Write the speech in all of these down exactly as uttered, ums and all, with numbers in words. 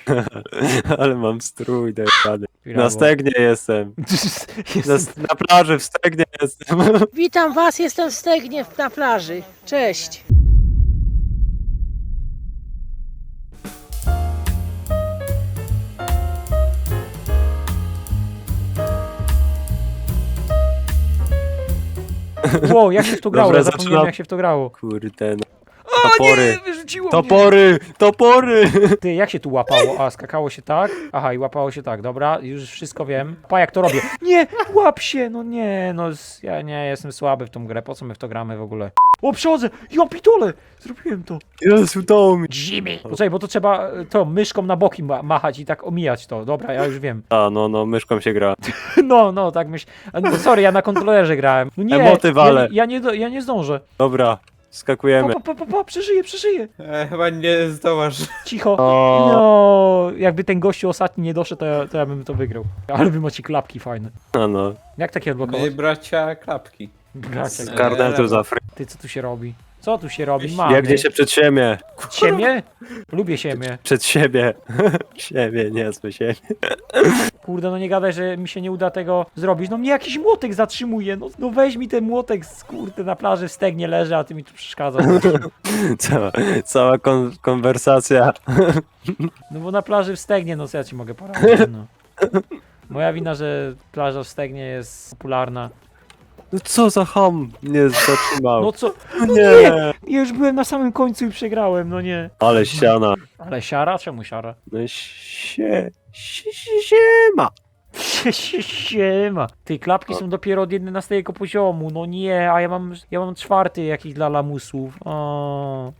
Ale mam strój dojechany. Brawo. Na stegnie jestem. Na, Jestem... na plaży w stegnie jestem. Witam was, jestem w Stegnie na plaży. Cześć. Wow, jak się w to grało? Dobra, Ja zapomniałem zaczynam. jak się w to grało. Kurde, no. Topory. Nie, wyrzuciło Topory! Topory! mnie. Ty, jak się tu łapało? A, skakało się tak? Aha, i łapało się tak, dobra, już wszystko wiem. Pa, jak to robię? Nie, łap się, no nie, no s- ja nie, jestem słaby w tą grę, po co my w to gramy w ogóle? O, przechodzę, ja pitole, zrobiłem to. Jezu, udało mi. Jimmy. Poczekaj, bo to trzeba e, to myszką na boki ma machać i tak omijać to, dobra, ja już wiem. A, no, no, myszką się gra. No, no, tak myśl. A, no, sorry, ja na kontrolerze grałem. No nie, Emoty wale. ja, ja, nie, do, ja nie zdążę. Dobra, Pa, skakujemy. pa, pa, pa, pa, przeżyję, przeżyję. E, chyba nie zdołasz. Cicho. O. No, jakby ten gościu ostatni nie doszedł, to ja, to ja bym to wygrał. Ale wy macie klapki fajne. No, no. Jak takie My odblokować? bracia klapki. Bracia, Z Eee, karnetu za fry. ty co tu się robi? Co tu się robi? Wiesz, Mamy. Biegnie się przed siebie. Siemię? Lubię siemię. Przed siebie. Siebie, nie zły siebie. Kurde, no nie gadaj, że mi się nie uda tego zrobić. No mnie jakiś młotek zatrzymuje. No, no weź mi ten młotek, z- kurde, na plaży w stegnie leży, a ty mi tu przeszkadzasz. Cała, cała kon konwersacja. No bo na plaży w stegnie, no co ja ci mogę poradzić, no. Moja wina, że plaża w stegnie jest popularna. No co za ham mnie zatrzymał. No co? nie. Ja już byłem na samym końcu i przegrałem, no nie. Ale ściana. Ale siara? Czemu siara? No się, się, się, siema. Sie- sie- Siema. Tej klapki są dopiero od jedenastego poziomu, no nie, a ja mam, ja mam czwarty jakiś dla lamusów. O.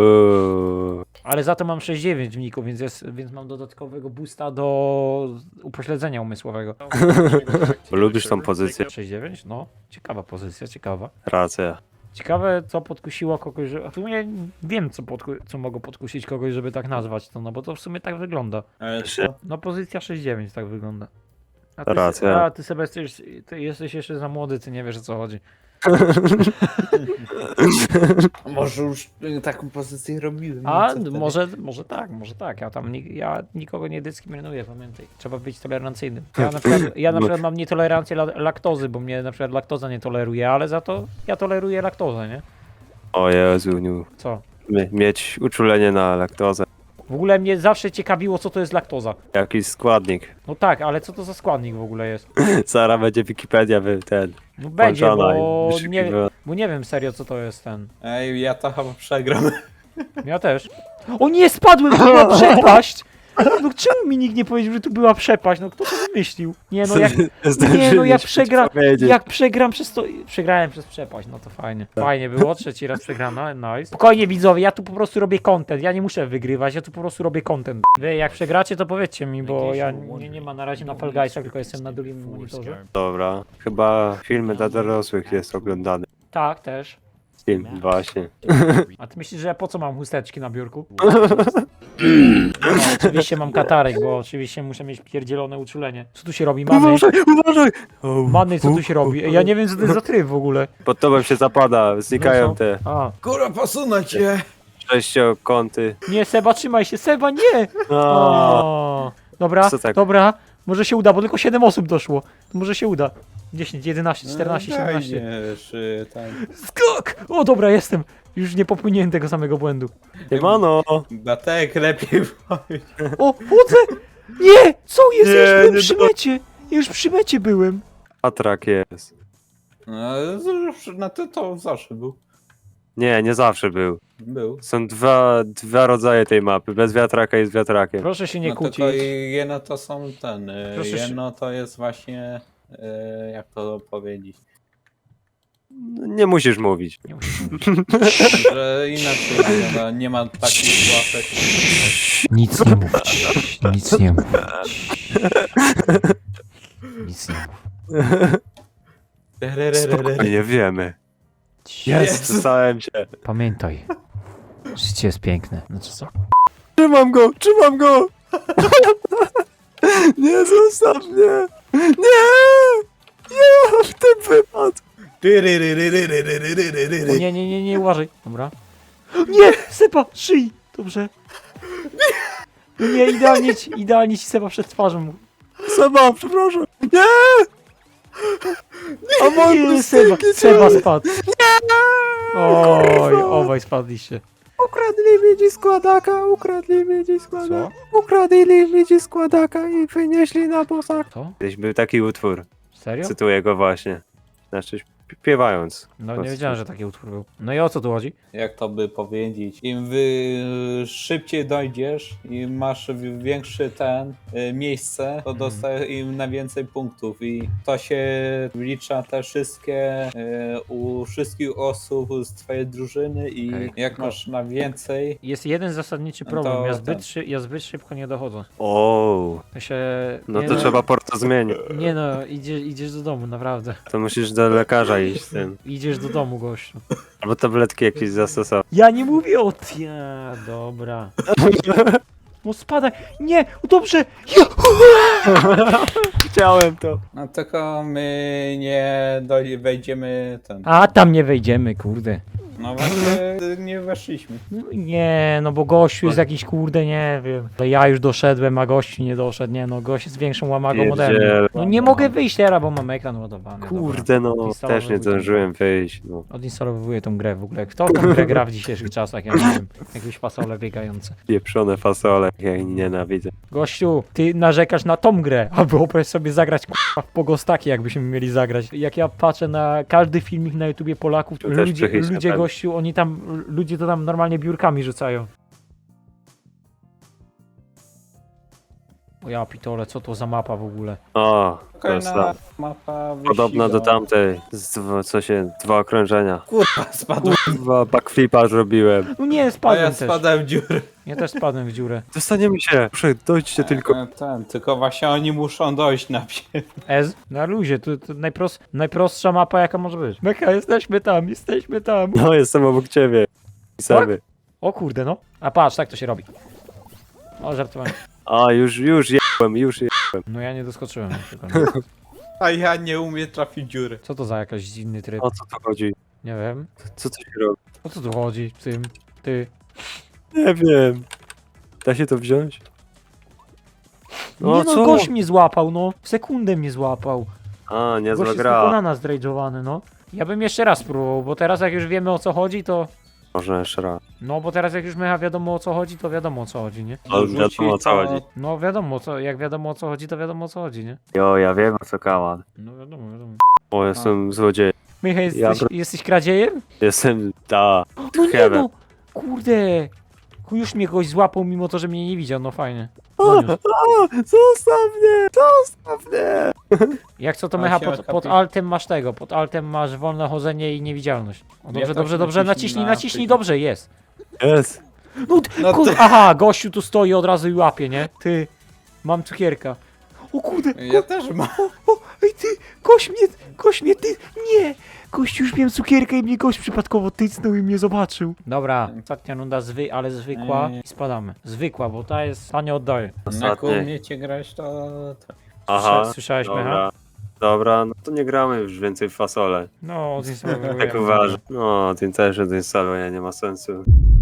Uuu. Ale za to mam sześć dziewięć w niku, więc, jest, więc mam dodatkowego boosta do upośledzenia umysłowego. Bo lubisz tą pozycję. sześć dziewięć? No, ciekawa pozycja, ciekawa. Racja. Ciekawe, co podkusiło kogoś, że... A w sumie wiem, co, podku... co mogło podkusić kogoś, żeby tak nazwać to, no bo to w sumie tak wygląda. Ale Się- co? No pozycja sześć dziewięć tak wygląda. A ty, Racja. a ty sobie jesteś, ty jesteś jeszcze za młody, ty nie wiesz o co chodzi. Może już y, taką pozycję robiłem. A co wtedy? może, może tak, może tak. Ja tam ni- ja nikogo nie dyskryminuję, pamiętaj. Trzeba być tolerancyjnym. Ja na przykład, ja na przykład mam nietolerancję la laktozy, bo mnie na przykład laktoza nie toleruje, ale za to ja toleruję laktozę, nie? O Jezu, nie. Co? Mie- Mieć uczulenie na laktozę. W ogóle mnie zawsze ciekawiło, co to jest laktoza. Jakiś składnik. No tak, ale co to za składnik w ogóle jest? Zaraz będzie Wikipedia wy ten. No będzie, włączona bo i nie, wyszukiwa- bo nie wiem serio, co to jest ten. Ej, ja to chyba przegram. Ja też. O nie, spadłem, to była przepaść! No czemu mi nikt nie powiedział, że tu była przepaść? No kto to wymyślił? Nie no, jak, nie, no jak, przegra, jak przegram przez to... Przegrałem przez przepaść, no to fajnie. Fajnie było, trzeci raz przegrana, nice. Spokojnie widzowie, ja tu po prostu robię content, ja nie muszę wygrywać, ja tu po prostu robię content. Wy jak przegracie, to powiedzcie mi, bo ja nie, nie ma na razie na Fall Guysach, tylko jestem na drugim monitorze. Dobra. Chyba filmy dla dorosłych jest oglądany. Tak, też. Film, właśnie. A ty myślisz, że ja po co mam chusteczki na biurku? No, oczywiście mam katarek, bo oczywiście muszę mieć pierdzielone uczulenie. Co tu się robi? Mamy? Uważaj, uważaj! O, Many, co tu się robi? Ja nie wiem, co to jest za tryb w ogóle. Pod tobą się zapada, znikają te A, Kurwa, posunę cię! sześciokąty. nie, Seba, trzymaj się, Seba, nie! O, O, dobra, Co tak? dobra, może się uda, bo tylko siedem osób doszło. To może się uda. dziesięć, jedenaście, czternaście, siedemnaście. Nie, czy tam... Skok! O, dobra, jestem. Już nie popełniłem tego samego błędu. Siemano! Batek, lepiej powiedz. O, chodzę! Nie! Co jest? Nie, ja już byłem nie przy do- mecie. Ja już przy mecie byłem. Atrak jest. No, zawsze- no to, to zawsze był. Nie, nie zawsze był. Był. Są dwa, dwa rodzaje tej mapy. Bez wiatraka i z wiatrakiem. Proszę się nie No kłócić. tylko jedno to są ten, y, Proszę się- jedno to jest właśnie, y, jak to powiedzieć, Nie musisz mówić. Nie musisz. że inaczej no, nie ma takich łapek. Nic nie mówić. Nic nie mówić. Nic nie mów. Spokojnie, wiemy. Jest, przestałem się. Pamiętaj. Życie jest piękne. Znaczy co? Trzymam go, trzymam go! Nie, zostaw mnie! Nie! Nie, w tym wypadku! O nie, nie, nie, nie, uważaj. Dobra. Nie! Sepa! Szyj! Dobrze. No nie, idealnie ci, idealnie ci Seba przed twarzą. Seba, przepraszam. Nie! A Nie, mam Seba, Seba spadł. Oj, obaj spadliście. Ukradli mi dziś składaka, ukradli mi dziś składaka. Ukradli mi dziś składaka i wynieśli na posag. Co? Kiedyś był taki utwór, Serio? cytuję go właśnie. Znaczy śpiewając. No nie wiedziałem, że taki utwór był. No i o co tu chodzi? Jak to by powiedzieć? Im wy szybciej dojdziesz i masz w- większy ten y, miejsce, to dostajesz im na więcej punktów i to się wlicza te wszystkie y, u wszystkich osób z twojej drużyny i Okej. jak masz na więcej, Jest jeden zasadniczy No problem. to Ja zbyt, ten. szy, ja zbyt szybko nie dochodzę. O, To się... no nie to trzeba porto zmienić. Nie no, idzie, idziesz do domu, naprawdę. To musisz do lekarza iść z tym. Idziesz do domu, gościu. Albo tabletki jakieś zastosować. Ja nie mówię o... Ja, dobra. No spadaj. Nie, dobrze. Ja. Chciałem to. no tylko my nie doj- wejdziemy ten. A tam nie wejdziemy, kurde. No właśnie nie weszliśmy. No nie, no bo gościu jest jakiś kurde, nie wiem. To ja już doszedłem, a gościu nie doszedł. Nie no, gość jest większą łamagą ode mnie. Pierdziele. No nie mogę wyjść teraz, bo mam ekran ładowany. Kurde no, Odinstalować też nie wujka. zdążyłem wyjść. No. Odinstalowuję tą grę w ogóle. Kto tą grę gra w dzisiejszych czasach? Ja nie wiem. Jakieś fasole biegające. Pieprzone fasole, ja ich nienawidzę. Gościu, ty narzekasz na tą grę, a wyobraź sobie zagrać k***a, w pogostaki, jakbyśmy mieli zagrać. Jak ja patrzę na każdy filmik na YouTubie Polaków, To też ludzie, psychiczne, ludzie tak. gościu, oni tam, ludzie to tam normalnie biurkami rzucają. O ja pitole, co to za mapa w ogóle? O, to jest Kolejna ta. mapa Podobna do wyścigowa. tamtej. Z, dwa- co się, dwa okrążenia. Kurwa, spadłem. Dwa backflipa zrobiłem. No nie, A spadłem ja też. spadłem w dziurę. Ja też spadłem w dziurę. Dostaniemy się. Proszę, dojdźcie tylko. E, Ten, tylko właśnie oni muszą dojść najpierw. Ez? Na luzie, to, to najprost, najprostsza mapa jaka może być. Meka, jesteśmy tam, jesteśmy tam. No, jestem obok ciebie. Pisamy. O kurde no. A patrz, tak to się robi. O, żartowałem. A, już, już jebłem, już je... No ja nie doskoczyłem na przykład. A ja nie umiem trafić dziury. Co to za jakiś dziwny tryb? O co tu chodzi? Nie wiem. Co tu się robi? O co tu chodzi w tym? Ty. Nie wiem. Da się to wziąć? No, nie no, gość mnie złapał, no. W sekundę mnie złapał. A, niezła Gość jest gra. pokonana zdrejdżowany, no. Ja bym jeszcze raz spróbował, bo teraz jak już wiemy o co chodzi, to... Można jeszcze raz. No, bo teraz jak już my wiadomo o co chodzi, to wiadomo o co chodzi, nie? Ale Rzuci wiadomo, o co to- chodzi. No wiadomo, co, jak wiadomo o co chodzi, to wiadomo o co chodzi, nie? Jo, ja wiem o co kaman. No wiadomo, wiadomo. O, jestem złodziejem. Michał, jesteś, Ja bro- jesteś kradziejem? Jestem, da. No nie Heaven. no! Kurde! Już mnie goś złapał, mimo to, że mnie nie widział, no fajnie. O, Doniósł. o, zostaw mnie, zostaw mnie. Jak co to A Mecha, się pod, pod odkapi- altem masz tego, pod altem masz wolne chodzenie i niewidzialność. O, dobrze, tak dobrze, dobrze, naciśnij naciśnij, na naciśnij, przycisk. dobrze, jest. Jest. No, t- No ku- to- Aha, gościu tu stoi od razu i łapie, nie? Ty, mam cukierka. O kurde, Ja też mam. o, ej ty, gość mnie, gość mnie, ty, nie! Gość już miałem cukierkę i mnie gość przypadkowo tycnął i mnie zobaczył. Dobra, ostatnia runda, zwy, ale zwykła Ej. i spadamy. Zwykła, bo ta jest, ta nie oddaje. Jak Ostatnie. umiecie grać, to... to- Aha. Słyszałeś, Mecha? Dobra. Dobra, no to nie gramy już więcej w fasole. No, odinstalowuję. Tak uważam. No, tym też odinstalowania nie ma sensu.